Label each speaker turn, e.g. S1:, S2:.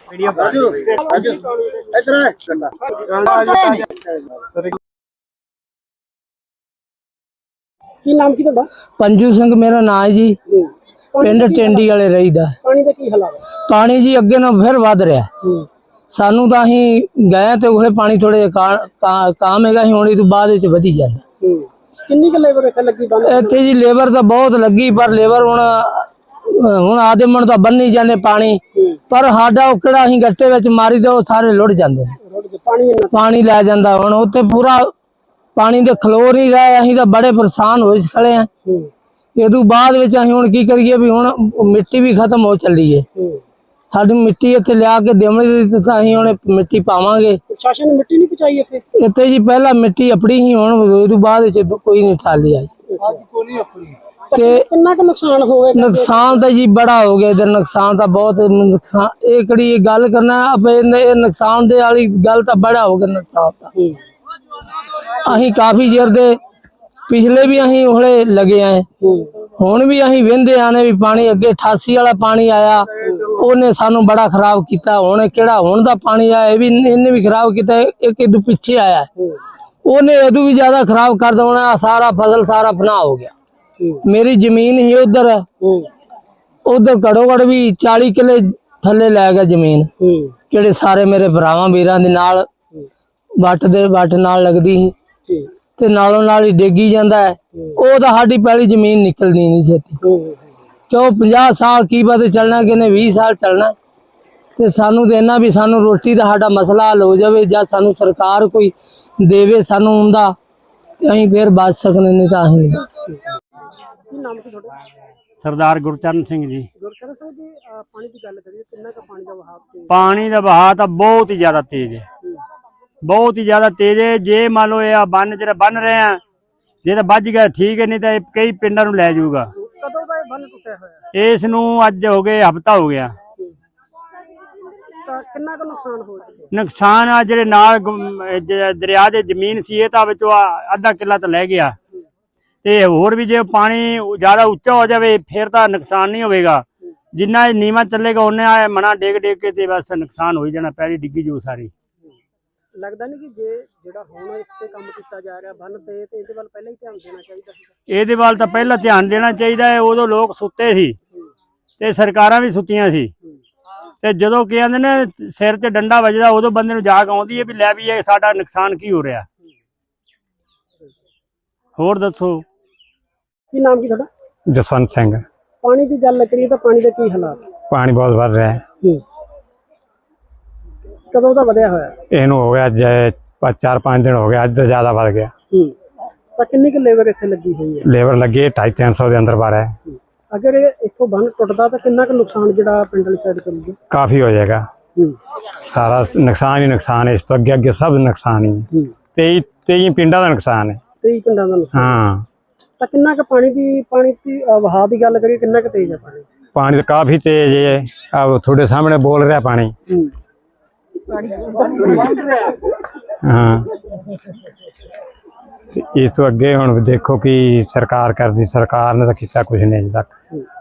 S1: ਕੀ ਨਾਮ ਕੀ ਤੁਹਾਡਾ?
S2: पंजू सिंह मेरा नाम है जी। पिंड टेंडी वाले रहीदा।
S1: ਪਾਣੀ ਦਾ ਕੀ ਹਾਲਾਤ ਹੈ?
S2: पानी जी अगे ना फिर वध रहा। सानू तो अं गए तो उसे पानी थोड़े काम है होने तो बाद वधी जाता।
S1: किन्नी क लेबर इत्थे लगी?
S2: इत्थे जी लेबर तो बहुत लगी पर लेबर हुण आधे मन तो बन्नी जाने पानी पर साडा किहड़ा असीं गट्टे विच मारी दो सारे लुढ़ जांदे पानी लै जांदा। हुण उत्थे पूरा पानी दे खलो नहीं रहे। असीं तां बड़े परेशान होए खड़े हैं। इदू बाद विच असीं हुण की करिए भी हुण मिट्टी भी खत्म हो चली है। साडी मिट्टी इत्थे लिया के देवणी तां असीं हुण मिट्टी पावांगे।
S1: प्रशासन ने मिट्टी नहीं पहुंचाई इत्थे?
S2: इत्थे जी पहला मिट्टी अपनी ही हुण इदू बाद विच कोई नहीं ठाली आई। ते
S1: कितना का नुकसान हो गया?
S2: नुकसान तो जी बड़ा हो गया इधर। नुकसान तो बहुत नुकसान एक गल करना नुकसान दे वाली गल तो बड़ा हो गया। नुकसान तो अहीं काफी चिर दे पिछले भी अहीं ओहले लगे आए। हुण भी अहीं वेंदे आने भी पानी अगे 88 वाला पानी आया ओने सानू बड़ा खराब किया। हुण किहड़ा हुण दा पानी आया भी इन्ने भी खराब किया। एक इदू पिछे आया ओने इदू भी ज्यादा खराब कर देना। सारा फसल सारा फना हो गया। मेरी जमीन ही उधर उधर घड़ो घड़ भी 40 किले थले लै गया जमीन। जेडे सारे मेरे भरावां वीरां दे नाल वट नाल लगदी सी ते नालों नाल ही डेगी जांदा है। ओ तां साडी पहली जमीन निकलनी नहीं छेती क्यों 50 साल की बात चलना कि 20 साल चलना। ते सानू देना भी सानू रोटी दा साडा मसला हल हो जावे जां सानू सरकार कोई देवे सानू उंदा असीं फिर बच सकने नहीं तां असीं नहीं बच सकदे।
S3: सरदार गुरचरण सिंह जी।
S1: गुरचरण सिंह जी पानी की गल करिए कितना का पानी का बहाव?
S3: पानी का बहाव तो बहुत ही ज्यादा तेज है। बहुत ही ज्यादा तेज है। जे मान लो ये बन जो बन रहे हैं जे तो बच गया ठीक है नहीं तो कई पिंडा नूं लै जाऊगा।
S1: कदों दा बन टुटिया होया?
S3: इस नूं अज हो गए हफ्ता हो गया।
S1: कितना का नुकसान हो गया?
S3: नुकसान आ जेडे नाल दरिया दे जमीन सी तां विचों आधा किला तो लै गया ते होर भी जे पानी ज्यादा उच्चा हो जाए फिर तो नुकसान नहीं होगा। जिन्ना नीवा चलेगा उन्हें मना डेग डेग के ते बस नुकसान हो जाना। पैली डिग्गी जू सारी।
S1: लगता नहीं कि जे जेड़ा हुण इस ते काम कीता जा रहा बन ते इहदे वल पहले ही ध्यान देना चाहिदा सी।
S3: ਇਹਦੇ ਵੱਲ ਤਾਂ ਪਹਿਲਾਂ ਧਿਆਨ ਦੇਣਾ ਚਾਹੀਦਾ ਹੈ। ਉਦੋਂ ਲੋਕ ਸੁੱਤੇ ਸੀ ਤੇ ਸਰਕਾਰਾਂ ਵੀ ਸੁੱਤੀਆਂ ਸੀ ਤੇ ਜਦੋਂ ਕੀ ਕਹਿੰਦੇ ਨੇ ਸਿਰ 'ਚ ਡੰਡਾ ਵੱਜਦਾ ਉਦੋਂ ਬੰਦੇ ਨੂੰ ਜਾਗ ਆਉਂਦੀ ਹੈ ਵੀ ਲੈ ਵੀ ਇਹ ਸਾਡਾ ਨੁਕਸਾਨ ਕੀ ਹੋ ਰਿਹਾ। ਹੋਰ ਦੱਸੋ?
S1: ਕੀ ਨਾਮ ਕੀ ਤੁਹਾਡਾ?
S4: जसवंत सिंह।
S1: पानी की गल करिए तो पानी के की हालात?
S4: पानी बहुत बढ़ रहा है।
S1: कदों दा वधिया होया?
S4: इनू हो गया 4-5 दिन हो गया। अज तो ज्यादा बढ़ गया।
S1: तो किन्नी की लेबर इत्थे लगी हुई है?
S4: लेबर लगी 250-300 के अंदर बार है।
S1: अगर इत्थों बन टुटदा तो कितना का नुकसान जिहड़ा पिंड वाली साइड करूगा?
S4: काफी हो जाएगा। सारा नुकसान ही नुकसान है। इस तो अगे सब नुकसान ही 23 पिंडा का नुकसान है।
S1: 23 पिंडा का नुकसान।
S4: हाँ
S1: तो कितना का पानी की बहाव की गल करिए कितना का तेज है पानी?
S4: पानी तो काफी तेज है। अब थोड़े सामने बोल रहा पानी। हाँ इस तो अगे हुण देखो कि सरकार करती। सरकार ने तो किया कुछ नहीं अजे तक।